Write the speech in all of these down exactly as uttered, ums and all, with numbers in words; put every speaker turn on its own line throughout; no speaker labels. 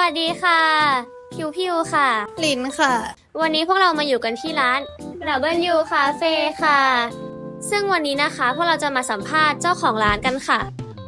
วัสดีค่ะพิวพิวค่ะ
ลินค่ะ
วันนี้พวกเรามาอยู่กันที่ร้าน ดับเบิลยู Cafe ค่ะซึ่งวันนี้นะคะพวกเราจะมาสัมภาษณ์เจ้าของร้านกันค่ะ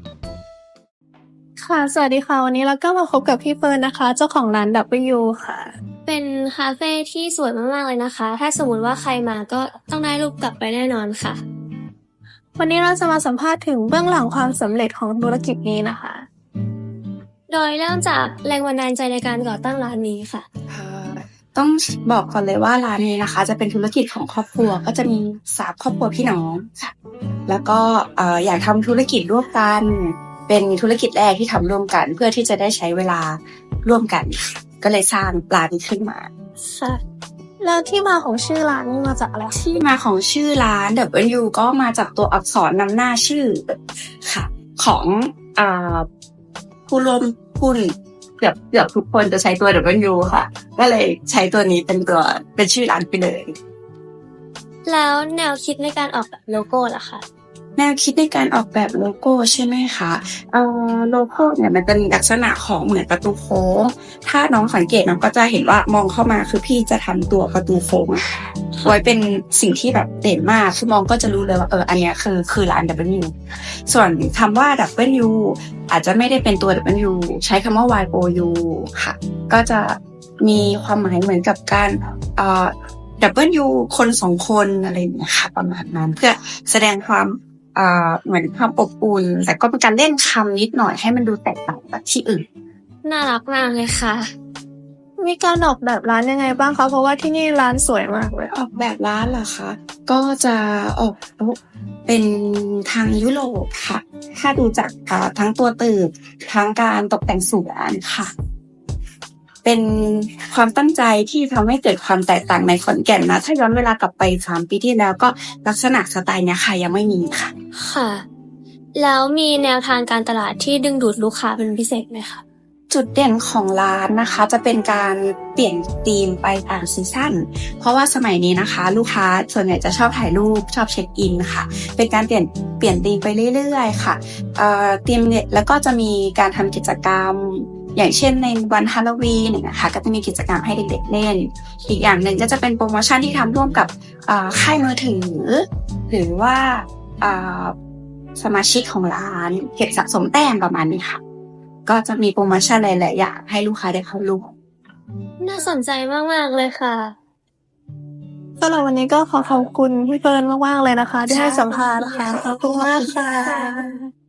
ค่ะ สวัสดีค่ะ วันนี้เราก็มาพบกับพี่เฟิร์นนะคะ เจ้าของร้าน ดับเบิลยู ค่ะ
เป็นคาเฟ่ที่สวยมากๆเลยนะคะ ถ้าสมมติว่าใครมาก็ต้องได้รูปกลับไปแน่นอนค่ะ
วันนี้เราจะมาสัมภาษณ์ถึงเบื้องหลังความสำเร็จของธุรกิจนี้นะคะ
โดยเริ่มจากแรงบันดาลใจในการก่อตั้งร้านนี้ค่ะ
เอ่อต้องบอกก่อนเลยว่าร้านนี้นะคะ จะเป็นธุรกิจของครอบครัวก็จะมีสามครอบครัวพี่น้องค่ะแล้วก็เอ่ออยากทำธุรกิจร่วมกัน เป็นธุรกิจแรกที่ทำร่วมกัน เพื่อที่จะได้ใช้เวลาร่วมกันค่ะก็เลยสร้างร้านนี้ขึ้นมา
ค่ะ แล้วที่มาของชื่อร้านนี่มาจากอะไร
ที่มาของชื่อร้าน ดับเบิลยู ก็มาจากตัวอักษรนำหน้าชื่อค่ะของอ่าผู้ร่วมหุ้นเกือบเกือบทุกคนจะใช้ตัว ดับเบิลยู ค่ะก็เลยใช้ตัวนี้เป็นตัวเป็นชื่อร้านไปเลย
แล้วแนวคิดในการออกแบบโลโก้ล่ะคะ
แนวคิดในการออกแบบโลโก้ใช่ไหมคะเอ่อโลโก้เนี่ยมันเป็นลักษณะของเหมือนประตูโค้งถ้าน้องสังเกตน้องก็จะเห็นว่ามองเข้ามาคือพี่จะทำตัวประตูโค้งไว้เป็นสิ่งที่แบบเด่นมากคือมองก็จะรู้เลยว่าเอออันเนี้ยคือคือร้าน ดับเบิลยู ส่วนคำว่า ดับเบิลยู อาจจะไม่ได้เป็นตัว ดับเบิลยู ใช้คำว่า วาย โอ ยู ค่ะก็จะมีความหมายเหมือนกับการเอ่อ ดับเบิลยู คนสองคนอะไรอย่างเงี้ยค่ะประมาณนั้นเพื่อแสดงความอ่าเหมือนความอบอุ่นแต่ก็เป็นการเล่นคำนิดหน่อยให้มันดูแตกต่างจากที่อื่น
น่ารักมากเลยค่ะ
มีการออกแบบร้านยังไงบ้างคะเพราะว่าที่นี่ร้านสวยมากเลย
ออกแบบร้านเหรอคะก็จะออกเป็นทางยุโรปค่ะถ้าดูจากทั้งตัวตึกทั้งการตกแต่งสวนค่ะเป็นความตั้งใจที่ทำให้เกิดความแตกต่างในขอนแก่นนะถ้าย้อนเวลากลับไปสามปีที่แล้วก็ลักษณะสไตล์เนี้ยค่ะยังไม่มีค่ะ
ค่ะแล้วมีแนวทางการตลาดที่ดึงดูดลูกค้าเป็นพิเศษไหมคะ
จุดเด่นของร้านนะคะจะเป็นการเปลี่ยนธีมไปตามซีซั่นเพราะว่าสมัยนี้นะคะลูกค้าส่วนใหญ่จะชอบถ่ายรูปชอบเช็คอินค่ะเป็นการเปลี่ยนเปลี่ยนธีมไปเรื่อยๆค่ะเอ่อธีมเนี่ยแล้วก็จะมีการทำกิจกรรมอย่างเช่นในวันฮาโลวีนเนี่ยนะคะก็จะมีกิจกรรมให้เด็กๆเล่นอีกอย่างหนึ่งก็จะเป็นโปรโมชั่นที่ทำร่วมกับค่ายมือถือหรือว่าสมาชิกของร้านเก็บสะสมแต้มประมาณนี้ค่ะก็จะมีโปรโมชั่นหลายๆอย่างให้ลูกค้าได้เข้าร่วม
น่าสนใจมากๆเลยค่ะ
สำหรับวันนี้ก็ขอขอบคุณพี่เฟิร์นมากๆเลยนะคะที่ให้สัมภาษณ์ค่ะขอบคุณมากค่ะ